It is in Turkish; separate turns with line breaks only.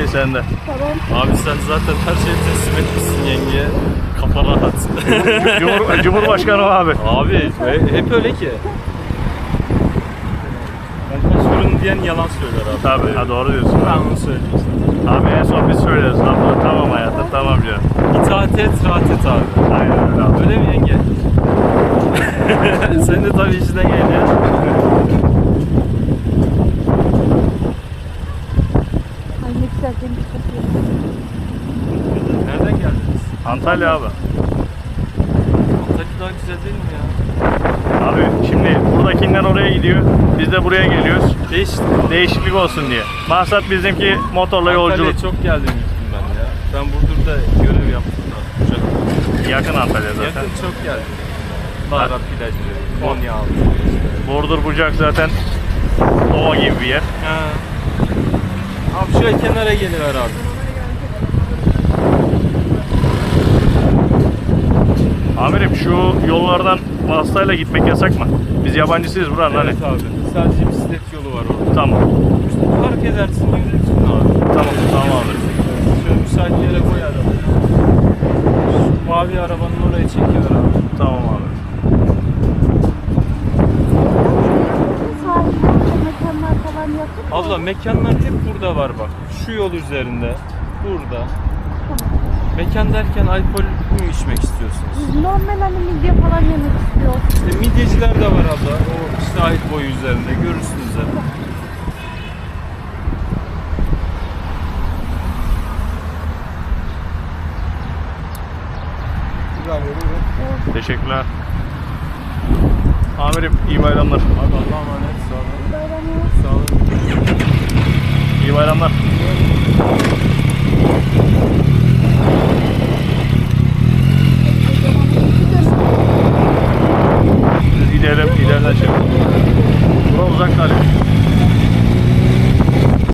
sende.
Tamam. Abi sen zaten her şeyi teslim etmişsin yengeye. Kafa rahat.
Cumhurbaşkanı abi.
Abi hep öyle ki. Kaç fırın diyen yalan söyler abi.
Tabii, ha, doğru diyorsun.
Ben onu söyleyeyim sana.
Abi en son biz söylüyoruz. Lafı tamam hayatım, tamam canım.
İtaat et, rahat et abi.
Aynen öyle abi.
Öyle mi yenge? Sen de tabii işine gel ya.
Ay ne güzel deniz kokuyor.
Nereden geldiniz?
Antalya abi.
Antalya daha güzel değil mi ya?
Abi şimdi buradakinden oraya gidiyor. Biz de buraya geliyoruz.
Değişiklik
olsun diye. Maksat bizimki motorla yolculuk.
Antalya'ya çok geldim gittim ben ya. Ben Burdur'da görev yaptım da. Çok
Yakın Antalya zaten.
yakın çok geldim. Baharat plajı, Konyaaltı işte.
Burdur Bucak zaten ova gibi bir yer.
Ha. Abi şöyle kenara geliver abi.
Amirim şu yollardan vasıtayla gitmek yasak mı? Biz yabancısıyız buranın
Evet
hani.
abi. Sadece bisiklet yolu var orada.
Tamam.
Park edersin, yürürsün abi.
Tamam abi.
Şöyle müsait yere koy arabayı. Şu mavi arabanın oraya çekiyor abi.
Tamam abi.
Sahilde mekanlar falan yakın mı?
Abla mekanlar hep burada var bak. Şu yol üzerinde. Burada. Mekan derken alkol mü içmek istiyorsunuz?
Biz normal hani midye falan yemek istiyoruz.
İşte midyeciler de var abla. O sahil boyu üzerinde. Görürsünüz zaten.
Teşekkürler. Amirim iyi bayramlar.
Abi Allah'a emanet. Sağ olun.
Bayramı.
Sağ olun.
İyi bayramlar.